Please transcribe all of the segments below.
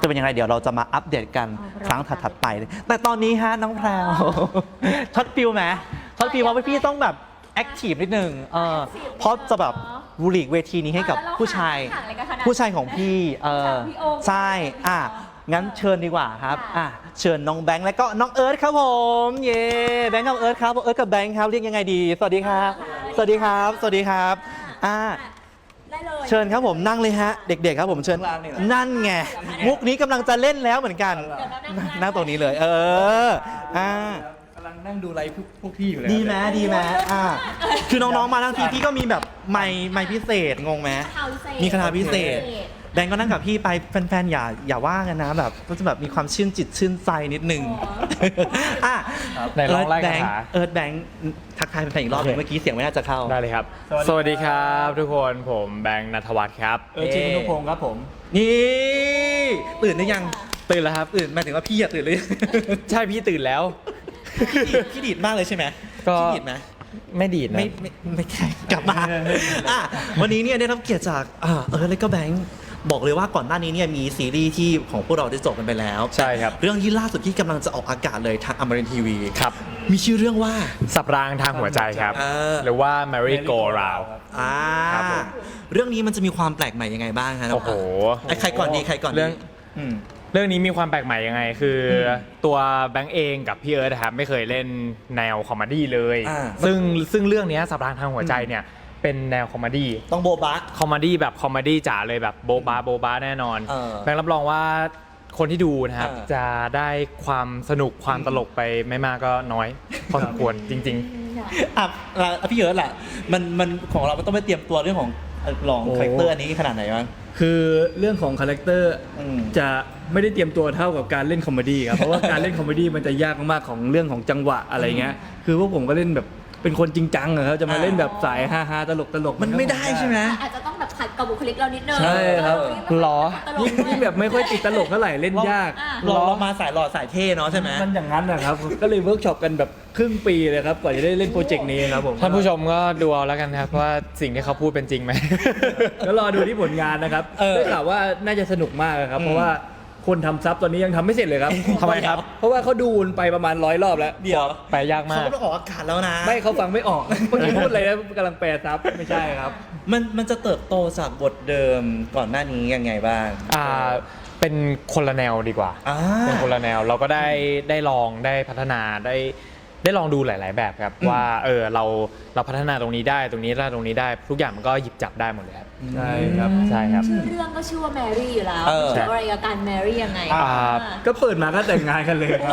จะเป็นยังไงเดี๋ยวเราจะมาอัปเดตกันครั้งถัดๆไปแต่ตอนนี้ฮะน้องแพรวช็อตฟิลไหมช็อตฟิลว่าพี่ต้องแบบแอคทีฟนิดนึงเพราะจะแบบบุหลีกเวทีนี้ให้กับผู้ชายของพี่ใช่งั้นเชิญดีกว่าครับเชิญน้องแบงค์และก็น้องเอิร์ธครับผมเย่แบงค์กับเอิร์ธครับเอิร์ธกับแบงค์ครับเรียกยังไงดีสวัสดีครับสวัสดีครับสวัสดีครับเชิญครับผมนั่งเลยฮะเด็กๆครับผมเชิญนั่นไงมุกนี้กำลังจะเล่นแล้วเหมือนกันนั่งตรงนี้เลยกำลังนั่งดูไลฟ์พวกพี่อยู่เลยดีไหมคือน้องๆมาทั้งทีพี่ก็มีแบบไมค์พิเศษงงไหมมีคาถาพิเศษแบงก์ก็นั่งกับพี่ไปแฟนๆอย่าว่ากันนะแบบก็จะแบบมีความชื่นจิตชื่นใจนิดนึงในร้องไล่คาถาเอิร์ธแบงค์ทักทายแฟนๆอีกรอบนึงเมื่อกี้เสียงไม่น่าจะเข้าได้เลยครับสวัสดีครับทุกคนผมแบงค์ณัฐวัฒน์ครับจินุพงศ์ครับผมนี่ตื่นหรือยังตื่นแล้วครับตื่นหมายถึงว่าพี่ตื่นหรือใช่พี่ตื่นแล้วพี่ดีดมากเลยใช่ไหมก็พี่ดีดไหมไม่ดีดนะไม่แข่งกลับมาวันนี้เนี่ยได้รับเกียรติจากแล้วก็แบงค์บอกเลยว่าก่อนหน้านี้เนี่ยมีซีรีส์ที่ของพวกเราได้จบกันไปแล้วใช่ครับเรื่องที่ล่าสุดที่กำลังจะออกอากาศเลยทางอมรินทร์ทีวีครับมีชื่อเรื่องว่าสับรางทางหัวใจครับหรือว่า Merry Go Round เรื่องนี้มันจะมีความแปลกใหม่ยังไงบ้างครับโอ้โหใครก่อนดีเรื่องนี้มีความแปลกใหม่ยังไงคือตัวแบงค์เองกับพี่เอิร์ธครับไม่เคยเล่นแนวคอมเมดี้เลยซึ่งเรื่องนี้สับรางทางหัวใจเนี่ยเป็นแนวคอมเมดี้ต้องโบบะคอมเมดี้แบบคอมเมดี้จ๋าเลยแบบโบบาแน่นอนแบงค์รับรองว่าคนที่ดูนะครับจะได้ความสนุกความตลกไปไม่มากก็น้อยพอสมควรจริงๆพี่เอิร์ธล่ะมันของเราต้องไปเตรียมตัวเรื่องของลองคาแรคเตอร์อันนี้ขนาดไหนบ้างคือเรื่องของคาแรคเตอร์จะไม่ได้เตรียมตัวเท่ากับการเล่นคอมเมดี้ครับเพราะว่าการเล่นคอมเมดี้มันจะยากมากๆของเรื่องของจังหวะอะไรเงี้ยคือพวกผมก็เล่นแบบเป็นคนจริงจังอะครับจะมาเล่นแบบสายฮาๆตลกมันไม่ได้ใช่ไหมอาจจะต้องแบบขัดกับบุคลิกเรานิดนึงใช่ครับหรอยิ่งแบบไม่ค่อยติดตลกเท่าไหร่เล่นยากเรามาสายหล่อสายเท่เนาะใช่ไหมมันอย่างนั้นนะครับก็เลยเวิร์กช็อปกันแบบครึ่งปีเลยครับกว่าจะได้เล่นโปรเจกต์นี้ครับผมท่านผู้ชมก็ดูเอาแล้วกันครับว่าสิ่งที่เขาพูดเป็นจริงไหมแล้วรอดูที่ผลงานนะครับได้ข่าวว่าน่าจะสนุกมากครับเพราะว่าคนทำซับตอนนี้ยังทำไม่เสร็จเลยครับทำไมครับเพราะว่าเขาดูไปประมาณ100 รอบแล้วเดี๋ยวไปยากมากเขาต้องออกอากาศแล้วนะไม่เขาฟังไม่ออกเมื่อกี้พูดอะไรนะกำลังแปลซับไม่ใช่ครับมันจะเติบโตจากบทเดิมก่อนหน้านี้ยังไงบ้างเป็นคนละแนวดีกว่าเป็นคนละแนวเราก็ได้ลองได้พัฒนาได้ลองดูหลายๆแบบครับว่าเราพัฒนาตรงนี้ได้ตรงนี้ได้ตรงนี้ได้ทุกอย่างมันก็หยิบจับได้หมดเลยครับใช่ครับชื่อเรื่องก็ชื่อว่าแมรี่อยู่แล้วเกี่ยวอะไรกับการแมรี่ยังไงก็เปิดมาก็แต่งงานกันเลยครับ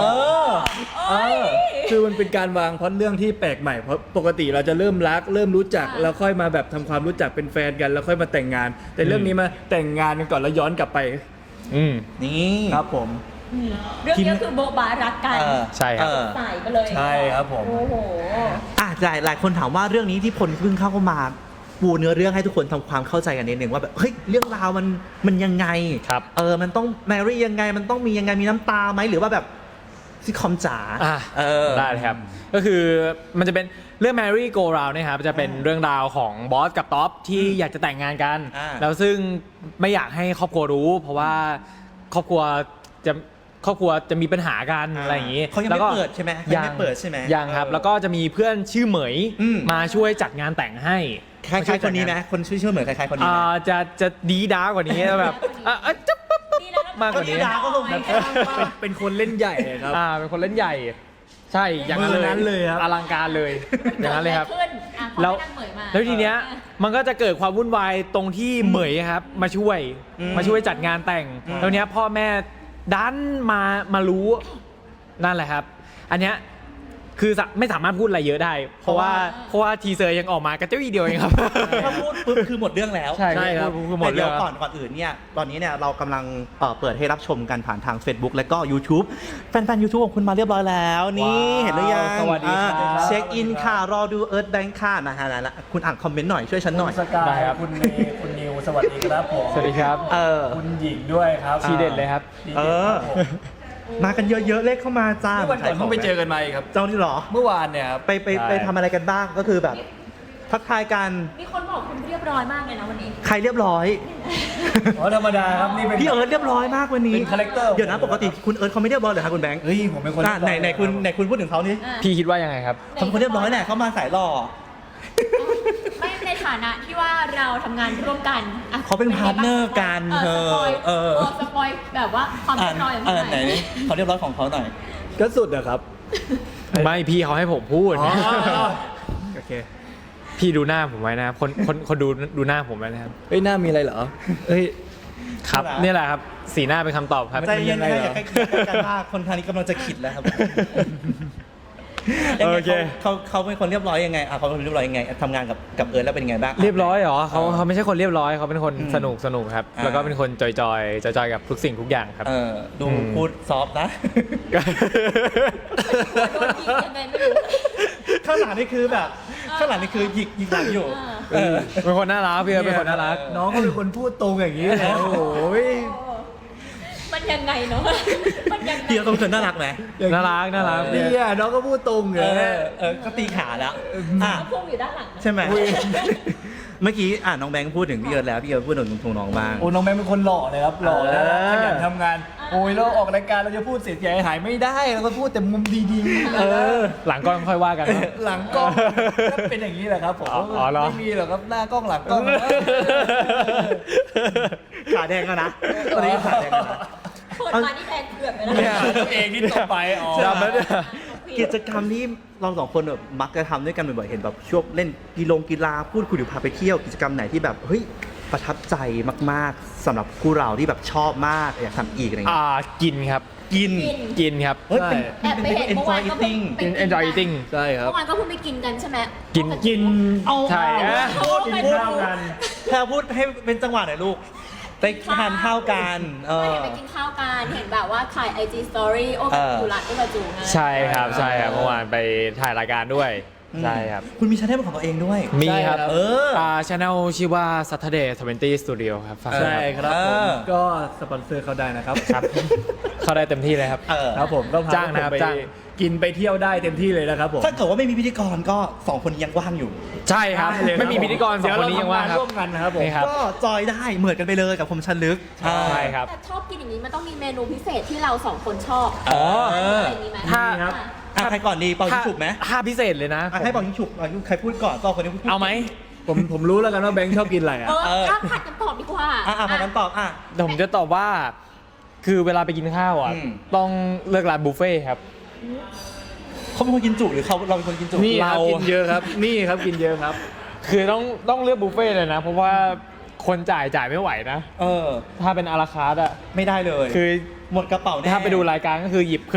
คือมันเป็นการวางพล็อตเรื่องที่แปลกใหม่เพราะปกติเราจะเริ่มรักเริ่มรู้จักแล้วค่อยมาแบบทำความรู้จักเป็นแฟนกันแล้วค่อยมาแต่งงานแต่เรื่องนี้มาแต่งงานกันก่อนแล้วย้อนกลับไปนี่ครับผมเรื่องนี้คือโบบารักกันใช่ครับใส่ไปเลยใช่ครับผมโอ้โหหลายคนถามว่าเรื่องนี้ที่พลเพิ่งเข้ามาปูเนื้อเรื่องให้ทุกคนทำความเข้าใจกันนิดนึงว่าแบบเฮ้ยเรื่องราวมันยังไงครับมันต้องแมรี่ยังไงมันต้องมียังไงมีน้ำตาไหมหรือว่าแบบซิทคอมจ๋าได้ครับก็คือมันจะเป็นเรื่อง Merry Go Round นะครับจะเป็นเรื่องราวของบอสกับท็อปที่อยากจะแต่งงานกันแล้วซึ่งไม่อยากให้ครอบครัวรู้เพราะว่าครอบครัวจะมีปัญหากันอะไรอย่างนี้เขายังไม่เปิดใช่ไหมยังไม่เปิดใช่ไหมยังครับแล้วก็จะมีเพื่อนชื่อเหมยมาช่วยจัดงานแต่งให้คล้ายๆคนนี้ไหมคนชื่อเหมยคล้ายๆคนนี้ไหมจะดีด้ากว่านี้แบบจะมากกว่านี้เป็นคนเล่นใหญ่ครับเป็นคนเล่นใหญ่ใช่อย่างนั้นเลยครับอลังการเลยอย่างนั้นเลยครับแล้วทีเนี้ยมันก็จะเกิดความวุ่นวายตรงที่เหมยครับมาช่วยจัดงานแต่งแล้วเนี้ยพ่อแม่ดันมารู้นั่นแหละครับอันเนี้ยคือไม่สามารถพูดอะไรเยอะได้เพราะว่าทีเซอร์ยังออกมากระเจ้าอีเดียวเองครับถ้าพูดปุ๊บคือหมดเรื่องแล้วใช่ครับแต่เดี๋ยวก่อนอื่นเนี่ยตอนนี้เนี่ยเรากำลังเปิดให้รับชมกันผ่านทาง Facebook และก็ YouTube แฟนๆ YouTube ของคุณมาเรียบร้อยแล้วนี่เห็นหรือยังสวัสดีครับเช็คอินค่ะรอดูเอิร์ธแบงค์ค่ะนะฮะแล้วคุณอ่านคอมเมนต์หน่อยช่วยฉันหน่อยสกายคุณเมย์คุณนิวสวัสดีครับผมสวัสดีครับคุณหญิงด้วยครับทีเด็ดเลยครับมากันเยอะๆเลขเข้ามาจ้าวันก่อนเพิ่งไปเจอกันมาครับเจ้าที่หรอเมื่อวานเนี่ยครับไปทำอะไรกันบ้างก็คือแบบทักทายกันมีคนบอกคุณเรียบร้อยมากเลยนะวันนี้ใครเรียบร้อยอ๋อธรรมดาครับนี่เป็นพี่เอิร์ธเรียบร้อยมากวันนี้เป็นคาแรคเตอร์เดี๋ยวนะปกติคุณเอิร์ธเขาไม่เรียบร้อยเหรอคะคุณแบงค์เฮ้ยผมเป็นคนไหนคุณพูดถึงเขานี่อ่ะพี่คิดว่ายังไงครับเขาเป็นคนเรียบร้อยแหละเขามาสายหล่อไม่ในฐานะที่ว่าเราทำงานร่วมกันอ่ะเขาเป็นพาร์ทเนอร์กันสปอย สปอยแบบว่าความอ่าเรียบร้อยของไหนเขาเรียบร้อยของเขาหน่อยก็สุดอะครับไม่พี่เขาให้ผมพูดอ๋อโอเคพี่ดูหน้าผมไว้นะครับคนดูหน้าผมไว้นะครับเฮ้ยหน้ามีอะไรเหรอเฮ้ยครับครับนี่แหละครับสีหน้าเป็นคำตอบครับใจเย็นมันๆยังไงเหรออย่าใกล้กันมากคนทางนี้กำลังจะขิดแล้วครับโอเคเขาเป็นคนเรียบร้อยยังไงเขาเป็นคนเรียบร้อยยังไงทำงานกับเอิร์ธแล้วเป็นยังไงบ้างเรียบร้อยเหรอเขาไม่ใช่คนเรียบร้อยเขาเป็นคนอืมสนุกครับอ่าแล้วก็เป็นคนจอยกับทุกสิ่งทุกอย่างครับดูพูดซอฟต์นะโดนยิงยังไงไม่รู้ข้างหลังนี่คือแบบข้างหลังนี่คือหยิกหลังอยู่เป็นคนน่ารักพี่เอิร์ธเป็นคนน่ารักน้องก็เป็นคนพูดตรงอย่างนี้เลยโอ้โหมันยังไงเนาะมันยังไงพี่ต้องเป็นน่ารักไหมน่ารักนี่อ่ะน้องก็พูดตรงเลยก็ตีขาแล้วอ่ะพุ่งอยู่ด้านหลังนะใช่ไหมเมื่อกี้น้องแบงค์พูดถึงพี่เอิร์ธแล้วพี่เอิร์ธพูดถึงน้องบ้างโอ้น้องแม่เป็นคนหล่อเลยครับหล่อแล้วเออขยันทำงานโอ้ยเราออกรายการเราจะพูดเสียหายไม่ได้เราก็พูดแต่มุมดีๆหลังกล้องค่อยว่ากันเนอะหลังกล้องก็เป็นอย่างนี้แหละครับผมอ๋อเหรอไม่มีหรอกครับหน้ากล้องหลังกล้องขาแดงแล้วนะตอนนี้ขาแดงแล้วนะเปิดมานี่แดงเกือบไปแล้วเนี่ยตัวเองนี่ต่อไปอ๋อจำแล้วเนี่ยกิจกรรมที่เราสองคนแบบมักจะทำด้วยกันบ่อยๆเห็นแบบช่วงเล่นกีฬาพูดคุยหรือพาไปเที่ยวกิจกรรมไหนที่แบบเฮ้ยประทับใจมากๆสำหรับคู่เราที่แบบชอบมากอยากทำอีกอะไรเงี้ยกินครับกินกินครับเฮ้ยเป็นแอบไปเห็นเป็นเมื่อวาน enjoy ก็เพิ่ง eating ไปกิน enjoy eating ใช่ครับเมื่อวานก็เพิ่งไปกินกันใช่ไหมกินเอาใช่พูดกินพูดข้าวกันแพรพูดให้เป็นจังหวะหน่อยลูกไปทานข้าวกันไม่เห็นไปกินข้าวกันเห็นแบบว่าถ่าย IG Story โอ้กับจุรัตน์ก็กับจูไงใช่ครับเมื่อวานไปถ่ายรายการด้วยใช่ครับคุณมีชาแนลเป็นของตัวเองด้วยมีครับเออ channel ชื่อว่า Saturday 20 Studio ครับฝากด้วยใช่ครับผมก็สปอนเซอร์เขาได้นะครับครับเข้าได้เต็มที่เลยครับครับผมก็พจ้างนะครับผมไปจ้างกินไปเที่ยวได้เต็มที่เลยนะครับผมถ้าเกิดว่าไม่มีพิธีกรก็2คนยังว่างอยู่ใช่ครับได้เลยไม่มีพิธีกรสองคนนี้ยังว่างครับร่วมกันนะครับผมนี่ครับก็จอยได้เหมือนกันไปเลยกับคมชันลึกใช่ครับแต่ชอบกินอย่างนี้มันต้องมีเมนูพิเศษที่เราสองคนชอบอ๋ออะไรอย่างนี้ไหมถ้าอ่ะใครก่อนดีเป่ายิงฉุบไหมถ้าพิเศษเลยนะให้เป่ายิงฉุบใครพูดก่อนก็คนนี้พูดเอาไหมผมรู้แล้วกันว่าแบงค์ชอบกินอะไรอ่ะผัดกันตอบดีกว่าพากันตอบเดี๋ยวผมจะตอบว่า คือเวลาไปกินข้าวอ่ะอืมต้องเลือกร้านบุฟเฟ่ต์ครับเขาเป็นคนกินจุหรือเราเป็นคนกินจุนี่ครับเรากินเยอะครับนี่ครับกินเยอะครับคือต้องเลือกบุฟเฟ่ต์เลยนะ เพราะว่าคนจ่ายไม่ไหวนะ ถ้าเป็นอาราคาร์ทอ่ะไม่ได้เลยคือหมดกระเป๋าแน่ถ้าไปดูรายการก็คือหยิบ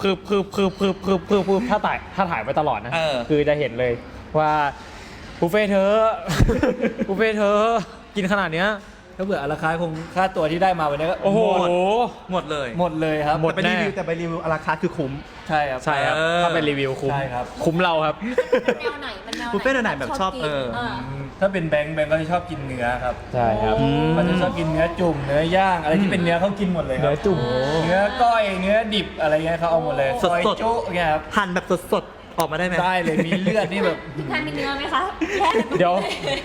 ถ้าถ่ายไว้ตลอดนะ คือจะเห็นเลยว่าบุฟเฟ่ต์เธอ บุฟเฟ่ต์เธอกินขนาดเนี้ยถ้าเผื่อราคาคงค่าตัวที่ได้มาวันนี้ก็โอ้โหหมดเลยหมดเลยครับหมดแต่ไปรีวิวอาราคาร์ทคือคุ้มใช่ครับใช่ครับ ถ้าเป็นรีวิวคุ้มใช่ครับคุ้มเราครับแนวไหนมันแนวไหนบุฟเฟ่ต์แนวไหนแบบชอบกินถ้าเป็นแบงค์ก็จะชอบกินเนื้อครับใช่ครับเขาจะชอบกินเนื้อจุ่มเนื้อย่างอะไรที่เป็นเนื้อเขากินหมดเลยครับเนื้อจุ่มเนื้อก้อยเนื้อดิบอะไรเงี้ยเขาเอาหมดเลยสดๆซอยจุเนี่ยครับหั่นแบบสดๆออกมาได้ไหมได้เลยมีเลือดนี่แบบพี่แพนมีเนื้อไหมคะแยกกันตรงนี้เดี๋ยว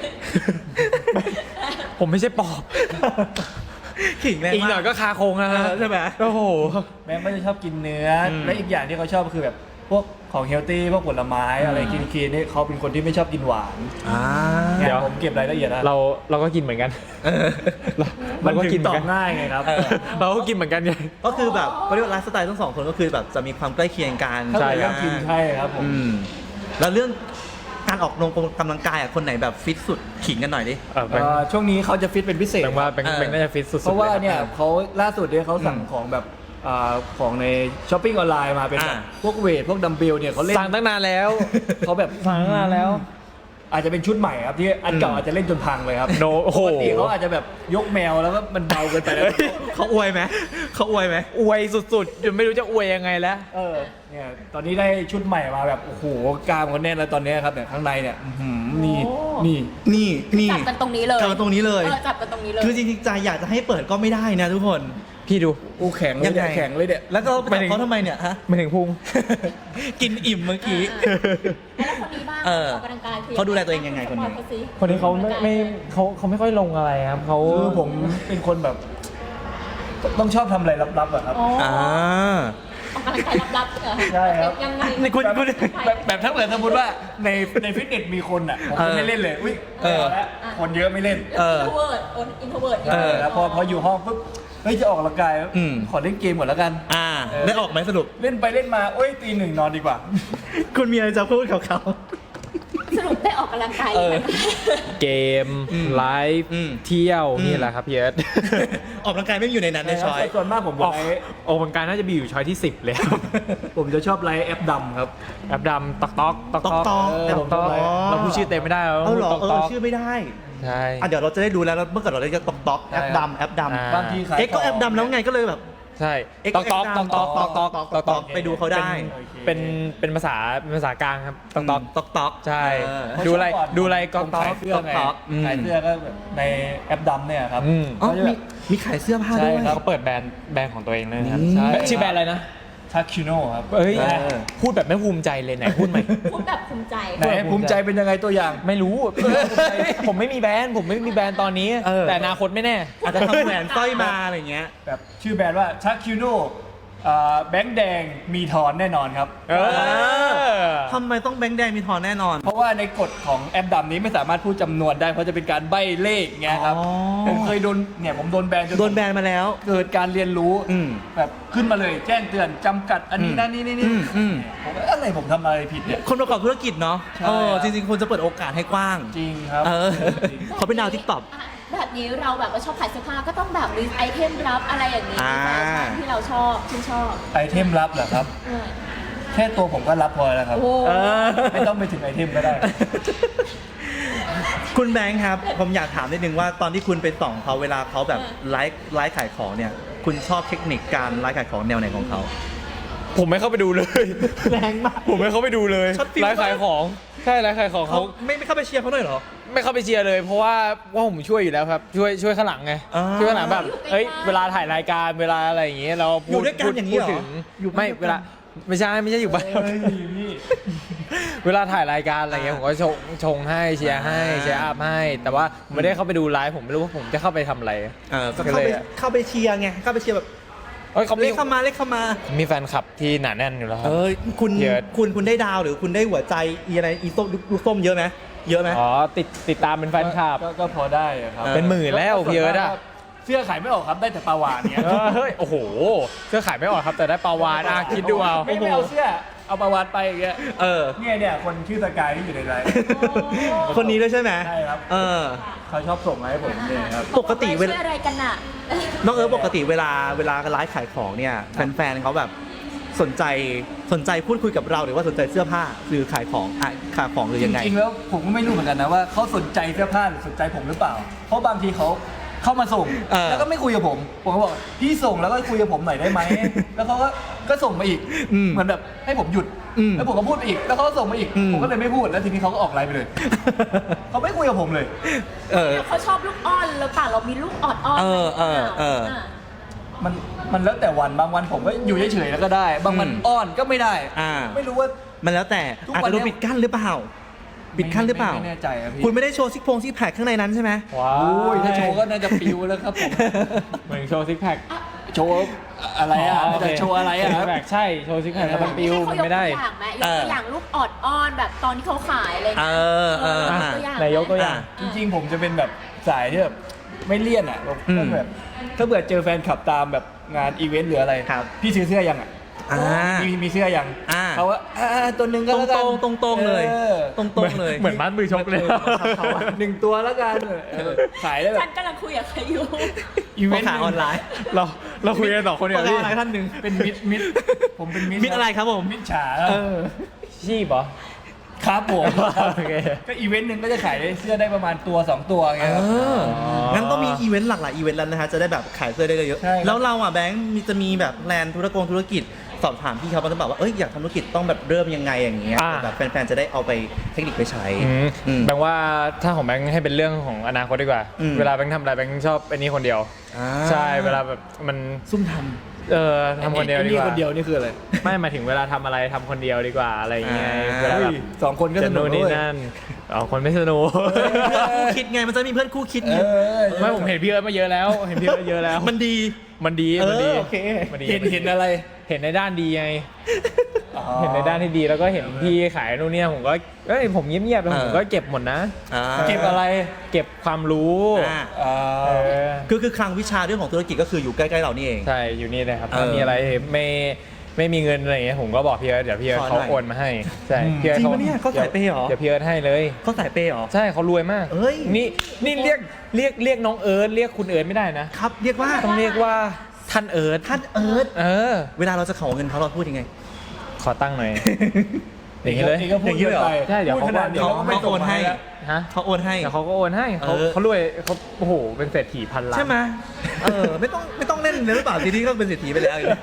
ผมไม่ใช่ปอบขิงแรงอีกหน่อยก็คาโครงนะฮะใช่ไหมโอ้โหแบงค์ก็จะชอบกินเนื้ออมและอีกอย่างที่เขาชอบคือแบบพวกของเฮลตี้พวกผลไม้อะไรคลีนๆนี่เขาเป็นคนที่ไม่ชอบกินหวานเดี๋เนี่ยยวผมเก็บรายละเอียดนะเราก็กินเหมือนกันมันเราก็ถึกินงเหตมืออนกันบง่ายไงครับเราก็กินเหมือนกันไงก็คือแบบเขาเรียกว่าไลฟ์สไตล์ทั้งสองคนก็คือแบบจะมีความใกล้เคียงกันถ้าใช่เป็นครัเรื่อบ งกินใช่ครับผมแล้วเรื่องการออกกำลังกายคนไหนแบบฟิตสุดขิงกันหน่อยดิช่วงนี้เขาจะฟิตเป็นพิเศษแปลว่าเป็นน่าจะฟิตสุดๆเพราะว่าลเนี่ยเขาล่าสุดเนี่ยเขาสั่งของแบบของในช้อปปิ้งออนไลน์มาเป็นแบบพวกเวทพวกดัมเบลเนี่ยเขาเล่นสั่งตั้งนานแล้วเขาแบบสั่งตั้งนานแล้วอาจจะเป็นชุดใหม่ครับที่อันเก่าอาจจะเล่นจนพังเลยครับโอ้โหปกติเขาอาจจะแบบยกแมวแล้วก็มันเบาเกินไปแล้วเขาอวยไหมเขาอวยไหมอวยสุดๆจนไม่รู้จะอวยยังไงแล้วเนี่ยตอนนี้ได้ชุดใหม่มาแบบโอ้โหกล้ามเขาแน่นแล้วตอนนี้ครับเนี่ยข้างในเนี่ยอื้อหือนี่โอ้นี่นี่จับกันตรงนี้เลยจับกันตรงนี้เลยจับกันตรงนี้เลยคือจริงๆใจอยากจะให้เปิดก็ไม่ได้นะทุกคนพี่ดูโอ้แข็งเลยเนี่ยแข็งเลยเนี่ยแล้วก็ไปจับเขาทำไมเนี่ยฮะไม่ถึงพุงกินอิ่มเมื่อกี้แล้วคนนี้บ้างเออออกกำลังกายคือเขาดูแลตัวเองยังไงคนนี้บอกเขาสิคนนี้เขาไม่เขาไม่ค่อยลงอะไรครับเขาคือผมเป็นคนแบบ ต้องชอบทำอะไรลับๆอะครับอ๋ออ่าออกกำลังกายลับๆเหรอใช่ครับยังไงนี่คุณแบบถ้าเกิดสมมติว่าในฟิตเนสมีคนอ่ะผมจะไม่เล่นเลยอุ้ยเออแล้วคนเยอะไม่เล่นเอออินโทรเวิร์ดแล้วพออยู่ห้องปุ๊บเฮ้ยจะออกกำลังกายอืมขอเล่นเกมก่อนแล้วกันอ่า ได้ออกไหมสรุปเล่นไปเล่นมาโอ้ยตี 1นอนดีกว่าคุณมีอะไรจะพูดกับเขาสรุปได้ออกกำลังกายเออไหมเกมอืมไลฟ์อืมเที่ยวอืมนี่แหละครับพี่เอิร์ธออกกำลังกายไม่อยู่ในนั้นในช้อยส่วนมากผมออกไลฟ์ออกกำลังกายน่าจะมีอยู่ช้อยที่ 10เลยครับผมจะชอบไลฟ์แอปดำครับแอปดำตอกตอกตอกตอกตอกตอกตอกอ๋อเราพูดชื่อเต็มไม่ได้เราเอาเหรอตอกเอตออกชื่อไม่ได้ใช่อ่ะเดี๋ยวเราจะได้ดูแล้วเมื่อก่อนเราเรียกตอกตอกแอปดำแอปดอ่าบางทีขายำเอ็กก็แอปดำแล้วไงก็เลยแบบใช่เอ็กตอกตอกตอกตอกตอกตอกตอกตอกไปดูเขาได้เป็นภาษากลางครับตอกตอกตอกตอกใช่เออดูอะไรเพาะดูอะไรช่ก็วงตก่ออนกผมขายเสื้อไงตอกอืมขายเสื้อก็แบบในแอปดำเนี่ยครับอืมอ๋อเขาจะแบบมีขายเสื้อผ้าใช่ด้วยครับเขาเปิดแบรนด์ของตัวเองเลยนะครับใช่ชื่อแบรนด์อะไรนะทักคิโน่ครับเอ้ยใช่พูดแบบไม่ภูมิใจเลยไหนพูดใหม่พูดแบบภูมิใจไหนภูมิใจเป็นยังไงตัวอย่างไม่รู้ ผมไม่มีแบรนด์ผมไม่มีแบรนด์ตอนนี้เออแต่อนาคตไม่แน่อาจจะทำแหวนสร้อยมาอะไรเงี้ยแบบชื่อแบรนด์ว่าทักคิโน่แบงค์แดงมีทอนแน่นอนครับเออทำไมต้องแบงค์แดงมีทอนแน่นอนเพราะว่าในกฎของแอปดำนี้ไม่สามารถพูดจำนวนได้เพราะจะเป็นการใบ้เลขไงครับอ๋อผมเคยโดนเนี่ยผมโดนแบนจนโดนแบนมาแล้วเกิดการเรียนรู้อืมแบบขึ้นมาเลยแจ้งเตือนจำกัดอันนี้นั่นนี่นี่อืมผมว่าอะไรผมทำอะไรผิดเนี่ยคนประกอบธุรกิจเนาะใช่เออจริงๆควรจะเปิดโอกาสให้กว้างจริงครับเออเขาเป็นดาวทิกตอกอ่ะแบบนี้เราแบบว่าชอบขายเสื้อผ้าก็ต้องแบบมีไอเทมลับอะไรอย่างนี้อ่าแฟชั่นที่เราชอบชื่นชอบไอเทมลับเหรอครับเออแค่ตัวผมก็รับพอแล้วครับโอ้เออไม่ต้องไปถึงไอเทมก็ได้คุณแบงค์ครับ ผมอยากถามนิดนึงว่าตอนที่คุณไปส่องเขาเวลาเขาแบบไลฟ์ขายของเนี่ย คุณชอบเทคนิคการไลฟ์ขายของแนวไหนของเขาผมไม่เข้าไปดูเลยแรงมากผมไม่เข้าไปดูเลยช็อตฟิลไลฟ์ขายของใช่ไลฟ์ขายของเขาเขาไม่เข้าไปเชียร์เขาหน่อยเหรอไม่เข้าไปเชียร์เลย เพราะว่าผมช่วยอยู่แล้วครับช่วยข้างหลังไงอ่าช่วยข้างหลังแบบเอ้ยเวลาถ่ายรายการเวลาอะไรอย่างเงี้ยเราอยู่ด้วยกันอย่างนี้เหรอพูดถึงอยู่บ้านไม่ด้วยกันเวลาไม่ใช่อยู่บ้านเฮ้ยพี่เวลาถ่ายรายการอะไรเงี้ยผมก็ชงให้เชียร์ให้เชียร์อัพให้ แต่ว่าผมไม่ได้เข้าไปดูไลฟ์ผมไม่รู้ว่าผมจะเข้าไปทำอะไรก็เข้าไปเชียร์ไงเข้าไปเชียร์แบบเอ้ยเขาเลมีขเข้ามามีแฟนคลับที่หนาแน่นอยู่แล้วครับคุณเยอะคุณได้ดาวหรือคุณได้หัวใจอีส้มลูกส้มเยอะไหมเยอะไหมอ๋อติดตามเป็นแฟนคลับก็พอได้อะครับเป็นหมื่นแล้วพี่เอิร์ธอะเสื้อขายไม่ออกครับได้แต่ปลาวานเนี่ยเฮ้ยโอ้โหเสื้อขายไม่ออกครับแต่ได้ปลาวานคิดดูเอาไม่เอาเสื้อเอาปลาวานไปอย่างเงี้ยเออเนี่ยคนชื่อสกายที่อยู่ในไลน์คนนี้ด้วยใช่ไหมใช่ครับเออเขาชอบส่งมาให้ผมเนี่ยครับปกติเวลาช่วยอะไรกันน่ะน้องปกติเวลาไลฟ์ขายของเนี่ยแฟนๆเขาแบบสนใจพูดคุยกับเราหรือว่าสนใจเสื้อผ้าหรือขายของขายของหรือยังไงจริงๆแล้วผมก็ไม่รู้เหมือนกันนะว่าเขาสนใจเสื้อผ้าหรือสนใจผมหรือเปล่า เพราะบางทีเขาเข้ามาส่งเออแล้วก็ไม่คุยกับผมก็บอกพี่ส่งแล้วก็คุยกับผมหน่อยได้ไหม แล้วเขาก็ส่งมาอีกอืมเหมือนแบบให้ผมหยุดอืมแล้วผมก็พูดไปอีกแล้วเขาก็ส่งมาอีกอืมผมก็เลยไม่พูดแล้วทีนี้เขาก็ออกไลน์ไปเลย เขาไม่คุยกับผมเลยเออเขาชอบลูกอ้อนหรือเปล่าเรามีลูกออดอ้อนเออมันแล้วแต่วันบางวันผมก็อยู่เฉยๆแล้วก็ได้ บางวันอ้อนก็ไม่ได้อ่าไม่รู้ว่ามันแล้วแต่ทุกอาจวันจะโดนเนี้ยปิดกั้นหรือเปล่าปิดกั้นหรือเปล่าไม่แน่ใจอะพี่คุณไม่ได้โชว์ซิกแพคข้างในนั้นใช่ไหมว้าโอ้ยถ้าโชว์ก็น่าจะปิวแล้วครับผมเหมือนโชว์ซิกแพคโชว์อะไรอ่ะจะโชว์อะไรอ่ะซิกแพคใช่โชว์ซิกแพคแล้วมันปิวมันไม่ได้ให้เขายกตัวอย่างไหมยกตัวอย่างลูกออดอ้อนแบบตอนที่เขาขายอะไรอย่างเอเงี้ยอยกตัวอย่างไหนยกตัวอย่างจริงๆผมจะเป็นแบบสายที่แบบไม่เลี่ยนอ่ะอืมก็แบบถ้าเบื่อเจอแฟนคลับตามแบบงานอีเวนต์หรืออะไรครับพี่ซื้อเสื้อยังอ่ะอ่ามีเสื้อยังอ่าเขาว่าตัวหนึ่งก็แล้วกันตรงๆเลยออตรงๆเลยเหมือนมัดมือชกเลยเขาอะหนึ่งตัวแล้วกันขายได้แบฉับนกำลังคุยกับใครอยู่อีเวนต์ขายออนไลน์เราคุยกันสองคนเนี่ยประพี่กาศอะไรท่านหนึ่งเป็นมิดผมเป็นมิดมิดอะไรครับผมมิดฉาครับชีพเหรอครับผมโอเคก็อีเวนต์หนึ่งก็จะขายได้เสื้อได้ประมาณตัว 2 ตัวไงเอครับองั้นต้องมีอีเวนต์หลากหลายอีเวนต์แล้วนะฮะจะได้แบบขายเสื้อได้เยอะใช่ครับแล้วเราอ่ะแบงค์จะมีแบบแลนธุรกิจสอบถามพี่เขาบ้างหรือเปล่าว่าอยากทำธุรกิจต้องแบบเริ่มยังไงอย่างเงี้ยอ่าแบบแฟนๆจะได้เอาไปเทคนิคไปใช้แบงค์ว่าถ้าของแบงค์ให้เป็นเรื่องของอนาคตดีกว่า เวลาแบงค์ทำอะไรแบงค์ชอบอันนี้คนเดียวอ่าใช่เวลาแบบมันซุ่มททำคนเดียวไอ้ดีกว่าคนเดียวนี่คืออะไรไม่หมายถึงเวลาทำอะไรทำคนเดียวดีกว่าอะไรอย่างเงี้ยเวลาเฮ้แบยบสองคนก็สจะนุกนู่นนี่ด้วยนั่นคนไม่สนุกเพื่อนคู่คิดไงมันจะมีเพื่อนคู่คิดไงไม่ผมเห็นพี่เอิร์ธมาเยอะแล้ว เห็นพี่เอิร์ธเยอะแล้วมันดีมันดีมันดีโอเคมันดีเห็นอะไรเห็นในด้านดีไง เห็นในด้านที่ดีแล้วก็เห็นพี่ขายนู่นเนี่ยผมก็ผมเงียบๆแล้วผมก็เก็บหมดนะเก็บอะไรเก็บความรู้อ่าเออคือคลังวิชาเรื่องของธุรกิจก็คืออยู่ใกล้ๆเรานี่เองใช่อยู่นี่เลยครับเออถ้ามีอะไรไม่มีเงินอะไรอย่างเงี้ยผมก็บอกพี่เอิร์ธเดี๋ยวพี่เอิร์ธขอหน่เขาอยโอนมาให้ใช่พี่เอิร์ธจริงปะเนี่ยเขาสายเปย์เหรอเดี๋ยวพี่เอิร์ธให้เลยเขาสายเปย์เหรอใช่เขารวยมากเอ้ยนี่เรียกน้องเอิร์ธเรียกคุณเอิร์ธไม่ได้นะครับเรียกว่าต้องเรียกว่าท่านเอิร์ธท่านเอิร์ธเออเวลาเราจะขอเงินเขาเราพูดยังไงขอตั้งหน่อยอย่างนี้เลยนี่ก็พูดอย่างนี้เลยเหรอไปใช่เดี๋ยวพูดขนาดนี้เขาเขาก็ไม่โอนให้ส่งมาแล้วฮะเขาโอนให้แต่เขาก็โอนให้เขาเออเขารวยเขาโอ้โหเป็นเศรษฐีพันล้านใช่ไหมไม่ต้องเล่นเลยหรือเปล่าทีนี้ก็เป็นเศรษฐีไปแล้วอย่างเงี้ย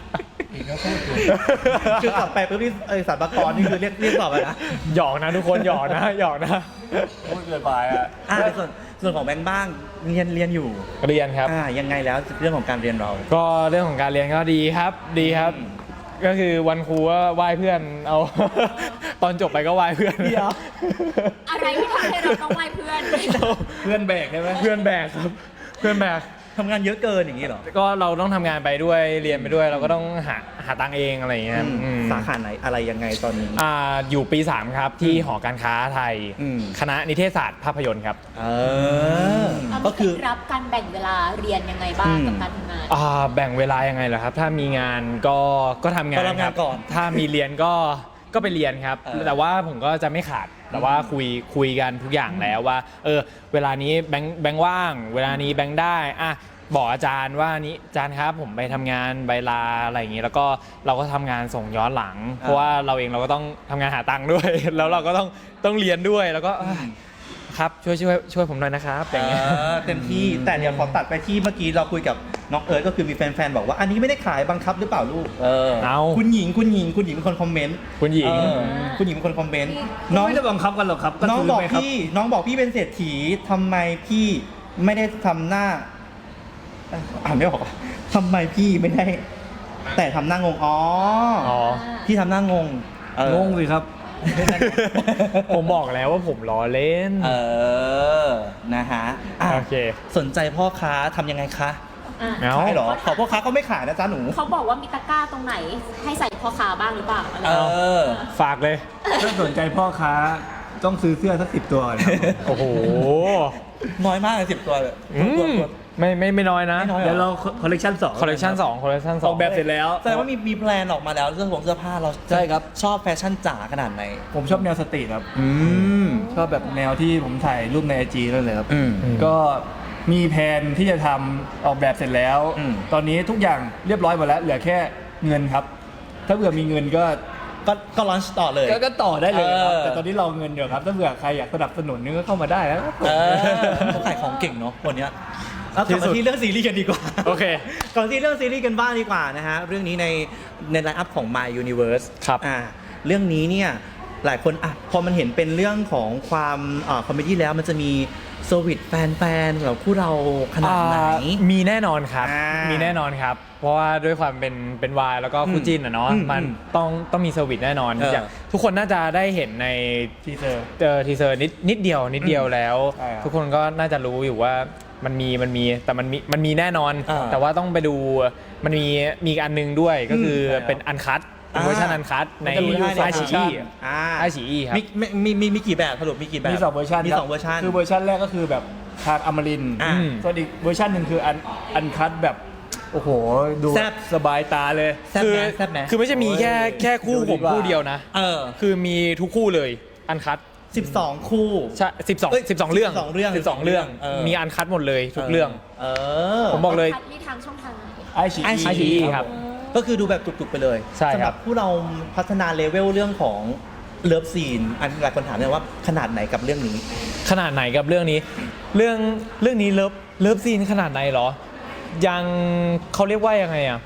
คือกลับไปปุ๊บนี่สรรพากรนี่คือเรียกตอบไปนะหยอกนะทุกคนหยอกนะหยอกนะพูดเกินไปอ่ะส่วนของแบงค์บ้างเรียนอยู่เรียนครับยังไงแล้วเรื่องของการเรียนเราก็เรื่องของการเรียนก็ดีครับดีครับ ก็คือวันครูก็ไหว้เพื่อนเอา ตอนจบไปก็ไหว้เพื่อนเดี๋ยวอะไรที่ทำให้เราต้องไหว้เพื่อนเพื่อนแบกใช่ไหมเพื่อนแบกครับเพื่อนแบกทำงานเยอะเกินอย่างนี้เหรอก็เราต้องทำงานไปด้วยเรียนไปด้วยเราก็ต้องหาตังค์เองอะไรอย่างเงี้ยอืมสาขาไหนอะไรยังไงตอนนี้อยู่ปี 3 ครับที่หอการค้าไทยอืมคณะนิเทศศาสตร์ภาพยนตร์ครับก็คือรับการแบ่งเวลาเรียนยังไงบ้างกับการทำงานแบ่งเวลายังไงเหรอครับ ถ้ามีงานก็ทำงานก็รับคงารันบก่อนถ้ามีเรียนก็ไปเรียนครับ แต่ว่าผมก็จะไม่ขาดแต่ว่าคุยกันทุกอย่างแล้วว่าเวลานี้แบงค์ว่าง เวลานี้แบงค์ได้บอกอาจารย์ว่านี้อาจารย์ครับผมไปทำงานใบลาอะไรอย่างนี้แล้วก็เราก็ทำงานส่งย้อนหลัง เพราะว่าเราเองเราก็ต้องทำงานหาตังค์ด้วย แล้วเราก็ต้องเรียนด้วยแล้วก็ครับช่วยผมหน่อยนะครับอย่างเงี้ยเต็มที่แต่เดี๋ยวขอตัดไปที่เมื่อกี้เราคุยกับน้องเอิร์ธก็คือมีแฟนๆบอกว่าอันนี้ไม่ได้ขายบังคับหรือเปล่าลูกเอาคุณหญิงเป็นคนคอมเมนต์คุณหญิงคุณหญิงเป็นคนคอมเมนต์น้องไม่ได้บังคับกันหรอกครับน้องซื้บอกไหมครับพี่เป็นเศรษฐีทำไมพี่ไม่ได้ทำหน้าอ่านไม่ออกทำไมพี่ไม่ได้ แต่ทำหน้างงพี่ทำหน้างงงงสิครับผมบอกแล้วว่าผมล้อเล่นนะฮะโอเคสนใจพ่อค้าทำยังไงคะเอาขายเหรอขอพ่อค้าก็ไม่ขายนะจ๊ะหนูเขาบอกว่ามีตะกร้าตรงไหนให้ใส่พ่อค้าบ้างหรือเปล่าอะไรฝากเลยถ้าสนใจพ่อค้าต้องซื้อเสื้อสัก10 ตัวก่อนครับโอ้โหน้อยมากเลย10 ตัวเลยไม่น้อยนะไม่น้อยเดี๋ยวเราคอลเลกชัน2 คอลเลคชัน2คอลเลคชันออกแบบเสร็จแล้วแสดงว่ามีแพลนออกมาแล้วเรื่องของเสื้อผ้าเราใช่ครับชอบแฟชั่นจ๋าขนาดไหนผมชอบแนวสตรีทครับมชอบแบบแนวที่ผมถ่ายรูปใน IG นั่นเลยครับอืมก็มีแผนที่จะทำออกแบบเสร็จแล้วอืมตอนนี้ทุกอย่างเรียบร้อยหมดแล้ว เหลือแค่เงินครับ ถ้าเผื่อมีเงินก็ก็ลอนช์ต่อเลยก็ต่อได้เลยครับเออแต่ตอนนี้รอเงินอยู่ครับ ถ้าเผื่อใครอยากสนับสนุนนี่ก็เข้ามาได้แล้วครับเขาขายของเก่งเนาะวันเนี้ยเอากลับมาที่เรื่องซีรีส์กันดีกว่าโอเคก่อนที่เรื่องซีรีส์กันบ้างดีกว่านะฮะ เรื่องนี้ในไลน์อัพของ My Universe ครับเรื่องนี้เนี่ยหลายคนพอมันเห็นเป็นเรื่องของความคอมเมดี้แล้วมันจะมีโซวิตแฟนๆแบบคู่เราขนาดไหนมีแน่นอนครับมีมีแน่นอนครับ เพราะว่าด้วยความเป็นวายแล้วก็คู่จิ้นอะเนาะ มันต้องมีเซอร์วิสแน่นอน อย่างทุกคนน่าจะได้เห็นในทีเซอร์ทีเซอร์นิดเดียวแล้วใช่ครับทุกคนก็น่าจะรู้อยู่ว่ามันมีแต่มันมีแน่นอน แต่ว่าต้องไปดูมันมีอีกอันนึงด้วยก็คือเป็นอันคัตเวอร์ชันอันคัตในมันจะมีอยู่สองไอเวอชีร์ชันไอชีครับมีกี่แบบสรุปมีกี่แบบมี2เวอร์ชันมีครับ 2เวอร์ชันคือเวอร์ชันแรกก็คือแบบทางอมรินทร์อ่าส่วนอีกเวอร์ชันหนึ่งคืออันคัตแบบ โอ้โห ดูแซ่บสบายตาเลยแซ่บไหมแซ่บไหมคือไม่ใช่มีแค่คู่ดูผดีมกว่าคู่เดียวนะ คือมีทุกคู่เลยอันคัต 12 คู่ใช่12 เรื่อง 12 เรื่อง 12 เรื่อง มีอันคัตหมดเลยทุกเรื่อง ผมบอกเลยคัดนี่ทางช่องทางไหนไอชี iQIYI ครับก็คือดูแบบจุกๆไปเลยใช่ครับสำหรับผู้เราพัฒนาเลเวลเรื่องของเลิฟซีนอันหลายคนถามเลยว่าขนาดไหนกับเรื่องนี้ขนาดไหนกับเรื่องนี้ เรื่องนี้เลิฟซีนขนาดไหนเหรอ ยังเขาเรียกว่ายังไงอ่ะ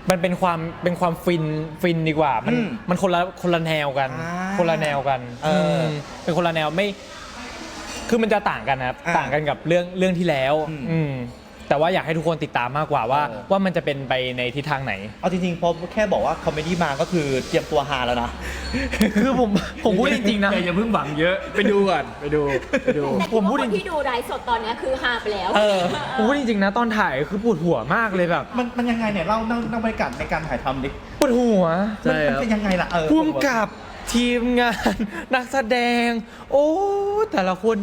มันเป็นความฟินดีกว่ามันคนละแนวกัน คนละแนวกันเป็นคนละแนวไม่คือมันจะต่างกันครับต่างกันกับเรื่องที่แล้วแต่ว่าอยากให้ทุกคนติดตามมากกว่าว่ามันจะเป็นไปในทิศทางไหนเอาจริงๆพอแค่บอกว่าคอมเมดี้มาก็คือเตรียมตัวฮาแล้วนะคือผมพูดจริงๆนะอย่าเพิ่งหวังเยอะไปดูก่อนไปดูผมพูดที่ดูไลฟ์สดตอนนี้คือฮาไปแล้วผมพูดจริงๆนะตอนถ่ายคือปวดหัวมากเลยแบบมันยังไงเนี่ยเล่าบรรยากาศในการถ่ายทำดิปวดหัวมันเป็นยังไงล่ะพุ่มกับทีมงานนักแสดงโอ้แต่ละคน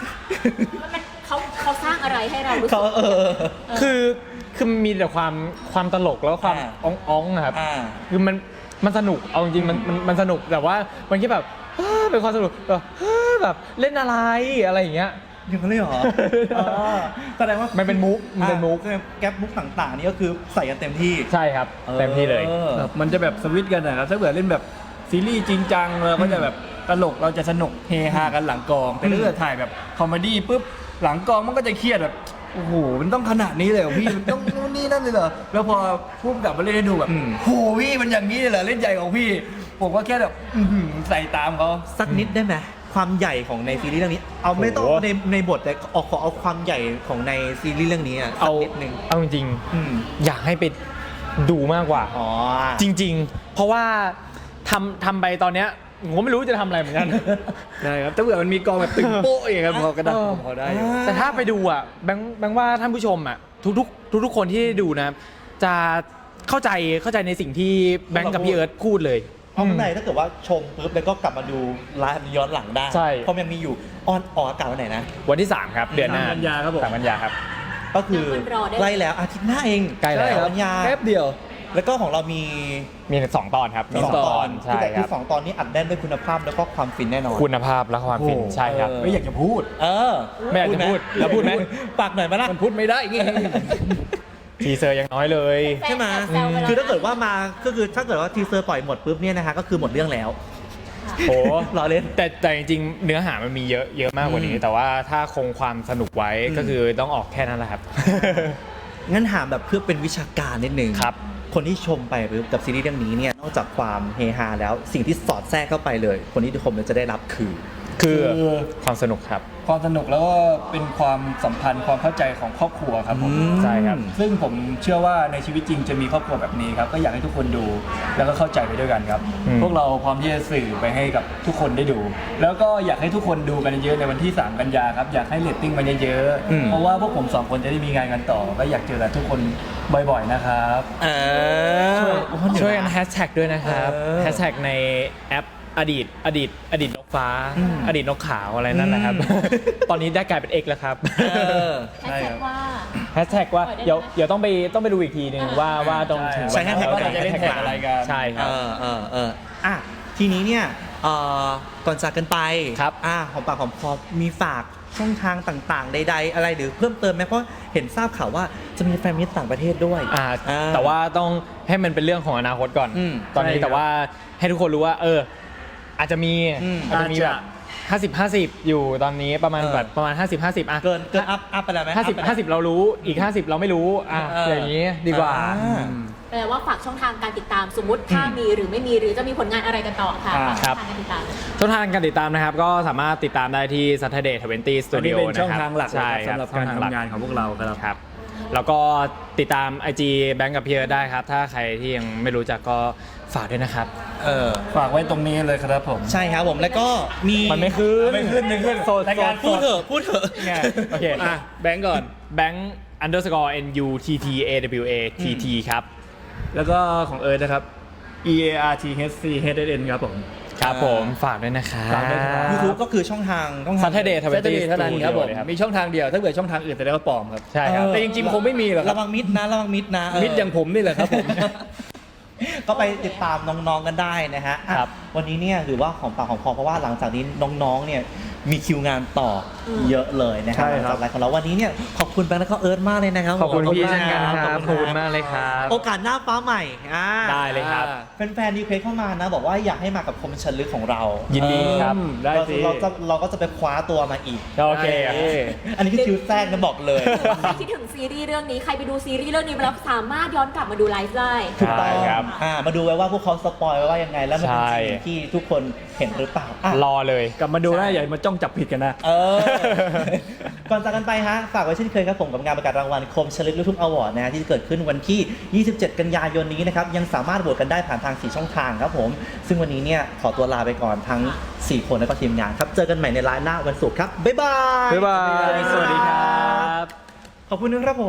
เขาสร้างอะไรให้เรารู้สึกคือมีแต่ความตลกแล้วความอ้องๆครับคือมันสนุกเอาจริงมันสนุกแต่ว่ามันแค่แบบเป็นความสนุกแบบเล่นอะไรอย่างเงี้ยอย่างนั้นเลยเหรอแสดงว่ามันเป็นมุกแก๊ปมุกต่างๆนี่ก็คือใส่กันเต็มที่ใช่ครับเต็มที่เลยมันจะแบบสวิตช์กันนะครับถ้าเกิดเล่นแบบซีรีส์จริงจังเราก็จะแบบตลกเราจะสนุกเฮฮากันหลังกองแต่ถ้าเกิดถ่ายแบบคอมเมดี้ปุ๊บหลังกองมันก็จะเครียดแบบโอ้โหมันต้องขนาดนี้เลยเหรอพี่มันต้องนู่นนี่นั่นเลยเหรอแล้วพอพุ่มกลับมาเล่นให้ดูแบบโหพี่มันอย่างนี้เลยเหรอเล่นใหญ่ของพี่ผมก็แค่แบบใส่ตามเขาสักนิดได้ไหมความใหญ่ของในซีรีส์เรื่องนี้เอาไม่ต้องในบทแต่ขอเอาความใหญ่ของในซีรีส์เรื่องนี้สักนิดนึงเอาจริงอยากให้ไปดูมากกว่าจริงๆเพราะว่าทำไปตอนเนี้ยผมไม่รู้จะทำอะไรเหมือนกันใช่ครับถ้าเกิดมันมีกองแบบตึงโป๊ะอย่างเงี้ยพอก็ได้พอได้แต่ถ้าไปดูอ่ะแบงค์ว่าท่านผู้ชมอ่ะทุกคนที่ดูนะจะเข้าใจในสิ่งที่แบงค์กับพี่เอิร์ธพูดเลยเพราะข้างในถ้าเกิดว่าชมปุ๊บแล้วก็กลับมาดูไลฟ์ย้อนหลังได้เพราะมันมีอยู่ออกอากาศวันไหนนะวันที่3ครับเดือนหน้า 3 กันยาครับผม 3 กันยาครับก็คือใกล้แล้วอาทิตย์หน้าเองใกล้แล้วกันยาแป๊บเดียวแล้วก็ของเรามี 2 ตอนครับมี2 ตอนใช่ครับ2 ตอนนี้อัดแน่นด้วยคุณภาพแล้วก็ความฟินแน่นอนคุณภาพและความฟินใช่ครับไม่อยากจะพูดไม่อยากจะพูดแล้วพูดไหมปากหน่อยมาละมันพูดไม่ได้ทีเซอร์ยังน้อยเลยใช่ไหมคือถ้าเกิดว่ามาก็คือถ้าเกิดว่าทีเซอร์ปล่อยหมดปุ๊บเนี่ยนะฮะก็คือหมดเรื่องแล้วโอ้รอเล่นแต่จริงๆเนื้อหามันมีเยอะมากกว่านี้แต่ว่าถ้าคงความสนุกไว้ก็คือต้องออกแค่นั้นแหละครับงั้นถามแบบเพื่อเป็นวิชาการนิดนึงครับคนที่ชมไปกับซีรีส์เรื่องนี้เนี่ยนอกจากความเฮฮาแล้วสิ่งที่สอดแทรกเข้าไปเลยคนที่ชมจะได้รับคือความสนุกครับความสนุกแล้วก็เป็นความสัมพันธ์ความเข้าใจของครอบครัวครับผมใช่ครับซึ่งผมเชื่อว่าในชีวิตจริงจะมีครอบครัวแบบนี้ครับก็อยากให้ทุกคนดูแล้วก็เข้าใจไปด้วยกันครับพวกเราพร้อมที่จะสื่อไปให้กับทุกคนได้ดูแล้วก็อยากให้ทุกคนดูกันเยอะในวันที่3 กันยาครับอยากให้เรตติ้งมันเยอะๆเพราะว่าพวกผม2 คนจะได้มีงานกันต่อก็อยากเจอทุกคนบ่อยๆนะครับช่วยกันแฮชแท็กด้วยนะครับแฮชแท็กในแอปอดีตนกฟ้าอดีตนกขาวอะไรนั่นนะครับตอนนี้ได้กลายเป็น X แล้วครับแฮชแท็กว่าเดี๋ยวต้องไปดูอีกทีนึงว่าตรงถึงใช้แฮชแท็กจะเล่นแท็กอะไรกันใช่ครับทีนี้เนี่ยก่อนจากกันไปครับของปากของคอมีฝากช่องทางต่างๆใดๆอะไรหรือเพิ่มเติมไหมเพราะเห็นทราบข่าวว่าจะมีแฟนมิตรต่างประเทศด้วยแต่ว่าต้องให้มันเป็นเรื่องของอนาคตก่อนตอนนี้แต่ว่าให้ทุกคนรู้ว่าอาจจะมีแบบ50-50อยู่ตอนนี้ประมาณ50-50 เกินอัพไปแล้วไหม 50เรารู้อีก50เราไม่รู้อย่างนี้ดีกว่าแปลว่าฝากช่องทางการติดตามสมมติถ้ามีหรือไม่มีหรือจะมีผลงานอะไรกันต่อค่ะครับช่องทางการติดตามนะครับก็สามารถติดตามได้ที่ Saturday 20 Studio นะครับเป็นช่องทางหลักสำหรับการทำงานของพวกเราครับแล้วก็ติดตาม IG แบงค์กับเพียร์ได้ครับถ้าใครที่ยังไม่รู้จักก็ฝากด้วยนะครับฝากไว้ตรงนี้เลยครับผมใช่ครับผมแล้วก็มีมันไม่ขึ้นรายการพูดเถอะโอเคแบงค์ก่อนแบงค์ _NUTTAWATT ครับแล้วก็ของเอิร์ธนะครับ EARTHCHN ครับผมฝากด้วยนะครับ YouTube ก็คือช่องทาง Saturday เท่านั้นครับผมมีช่องทางเดียวถ้าเกิดช่องทางอื่นจะได้ว่าปลอมครับใช่ครับแต่จริงๆคงไม่มีหรอกระวังมิดนะมิดอย่างผมนี่แหละครับผมก็ไปติดตามน้องๆกันได้นะฮะวันนี้เนี่ยหรือว่าของปากของคอเพราะว่าหลังจากนี้น้องๆเนี่ยมีคิวงานต่อเยอะเลยนะครับใช่ครับสำหรับรายของเราวันนี้เนี่ยขอบคุณแบงค์และก็เอิร์ธมากเลยนะครับขอบคุณพี่เช่นกันขคอรับณขอบคุณมากเลยครับโอกาสหน้าฟ้าใหม่ได้เลยครับแฟนๆรีเควสเข้ามานะบอกว่าอยากให้มากับคมชันลึกของเรายิยินดีครับ ได้สิเราก็จะไปคว้าตัวมาอีกโอเคอันนี้คือคิวแทรกนะบอกเลยใครคิดถึงซีรีส์เรื่องนี้ ใครไปดูซีรีส์เรื่องนี้มาแล้วสามารถย้อนกลับมาดูไลฟ์ได้ถูกต้องใช่ครับมาดูไว้ว่าพวกเขาสปอยไว้ว่ายังไง แล้วมันเป็นใช่สิ่งที่ทุกคนเห็นหรือเปล่าอ่ะรอเลยกลับมาดูนะอย่ามาจ้องจับผิดกันนะก่อนจากกันไปฮะ ฝากไว้เช่นเคยครับผมกับงานประกาศรางวัลคมชลึกลูกทุ่งอวอร์ดนะฮะที่จะเกิดขึ้นวันที่ 27 กันยายนนี้นะครับ ยังสามารถโหวตกันได้ผ่านทาง 4 ช่องทางครับผม ซึ่งวันนี้เนี่ยขอตัวลาไปก่อนทั้ง 4 คนและก็ทีมงานครับ เจอกันใหม่ในไลน์หน้าวันศุกร์ครับ บ๊ายบายบ๊ายบาย สวัสดีครับขอบคุณนะครับผม